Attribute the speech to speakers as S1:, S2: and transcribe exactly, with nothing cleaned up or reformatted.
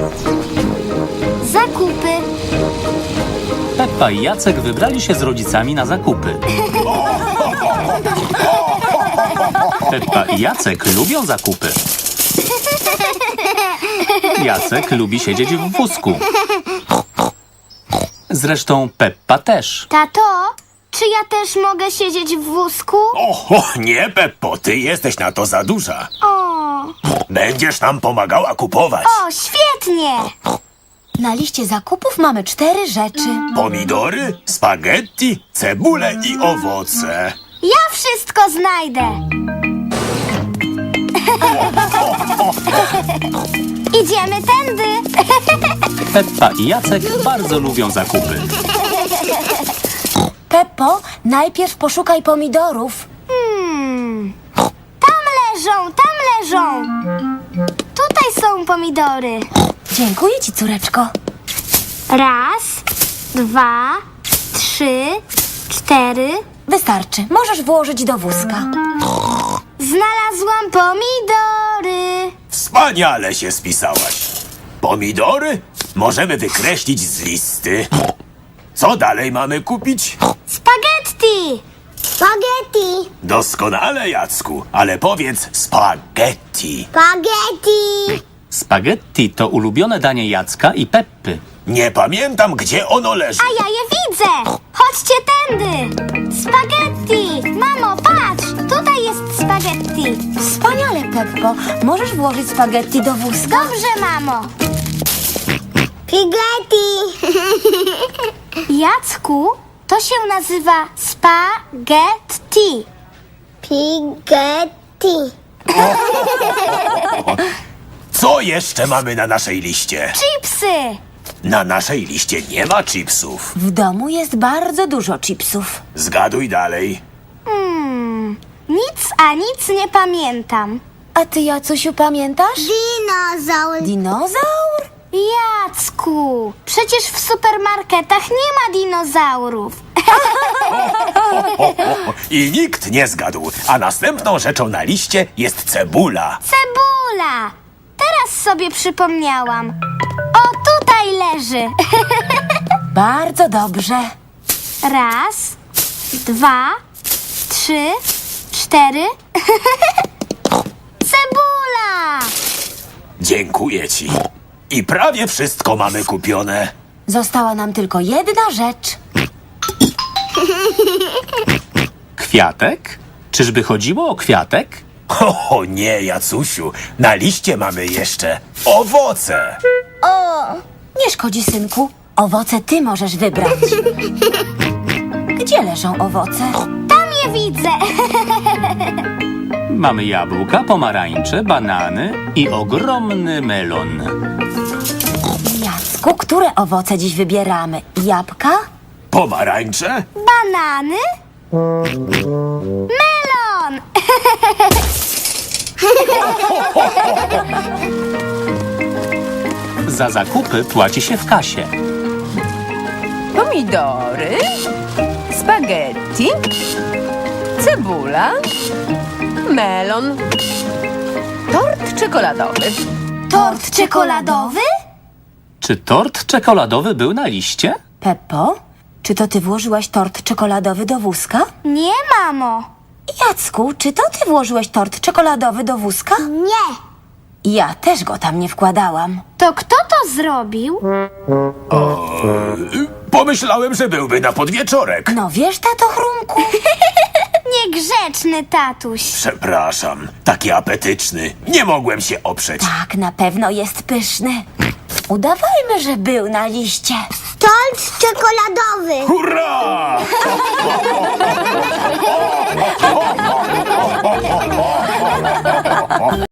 S1: Zakupy.
S2: Peppa i Jacek wybrali się z rodzicami na zakupy. Peppa i Jacek lubią zakupy. Jacek lubi siedzieć w wózku. Zresztą Peppa też.
S1: Tato, czy ja też mogę siedzieć w wózku?
S3: Oho, nie, Peppo, ty jesteś na to za duża.
S1: O,
S3: Będziesz nam pomagała kupować.
S1: o, świetnie!
S4: Na liście zakupów mamy cztery rzeczy.
S3: Pomidory, spaghetti, cebulę i owoce.
S1: Ja wszystko znajdę. Idziemy tędy.
S2: Peppa i Jacek bardzo lubią zakupy.
S4: Peppo, najpierw poszukaj pomidorów.
S1: Hmm. Tam leżą, tam leżą. Tutaj są pomidory.
S4: Dziękuję ci, córeczko.
S1: Raz, dwa, trzy, cztery.
S4: Wystarczy. Możesz włożyć do wózka.
S1: Znalazłam pomidory.
S3: Wspaniale się spisałaś. Pomidory możemy wykreślić z listy. Co dalej mamy kupić?
S1: Spaghetti. Spaghetti.
S3: Doskonale, Jacku, ale powiedz spaghetti.
S1: Spaghetti.
S2: Spaghetti to ulubione danie Jacka i Peppy.
S3: Nie pamiętam, gdzie ono leży.
S1: A ja je widzę. Chodźcie tędy. Spaghetti. Mamo, patrz. Tutaj jest spaghetti.
S4: Wspaniale, Peppo. Możesz włożyć spaghetti do wózka?
S1: Dobrze, mamo. Spaghetti. Jacku, to się nazywa spaghetti. Spaghetti.
S3: Co jeszcze mamy na naszej liście?
S1: Chipsy.
S3: Na naszej liście nie ma chipsów.
S4: W domu jest bardzo dużo chipsów.
S3: Zgaduj dalej.
S1: Hmm, nic a nic nie pamiętam.
S4: A ty, Jacusiu, pamiętasz?
S1: Dinozaur.
S4: Dinozaur?
S1: Jacku, przecież w supermarketach nie ma dinozaurów.
S3: O, o, o. I nikt nie zgadł. A następną rzeczą na liście jest cebula.
S1: Cebula. Teraz sobie przypomniałam. O, tutaj leży.
S4: Bardzo dobrze.
S1: Raz, dwa, trzy, cztery. Cebula!
S3: Dziękuję ci. I prawie wszystko mamy kupione.
S4: Została nam tylko jedna rzecz.
S2: Kwiatek? Czyżby chodziło o kwiatek?
S3: O nie, Jacusiu. Na liście mamy jeszcze owoce.
S4: Nie szkodzi, synku. Owoce ty możesz wybrać. Gdzie leżą owoce?
S1: Tam je widzę.
S2: Mamy jabłka, pomarańcze, banany i ogromny melon.
S4: Jacku, które owoce dziś wybieramy? Jabłka?
S3: Pomarańcze?
S1: Banany? Melon!
S2: Za zakupy płaci się w kasie.
S5: Pomidory, spaghetti, cebula, melon, tort czekoladowy.
S1: Tort czekoladowy?
S2: Czy tort czekoladowy był na liście?
S4: Peppo, czy to ty włożyłaś tort czekoladowy do wózka?
S1: Nie, mamo.
S4: Jacku, czy to ty włożyłeś tort czekoladowy do wózka?
S1: Nie.
S4: Ja też go tam nie wkładałam.
S1: To kto to zrobił?
S3: Pomyślałem, że byłby na podwieczorek.
S4: No wiesz, tato Chrumku?
S1: Niegrzeczny tatuś.
S3: Przepraszam, taki apetyczny. Nie mogłem się oprzeć.
S4: Tak, na pewno jest pyszny. Udawajmy, że był na liście.
S1: Tort czekoladowy.
S3: Hurra!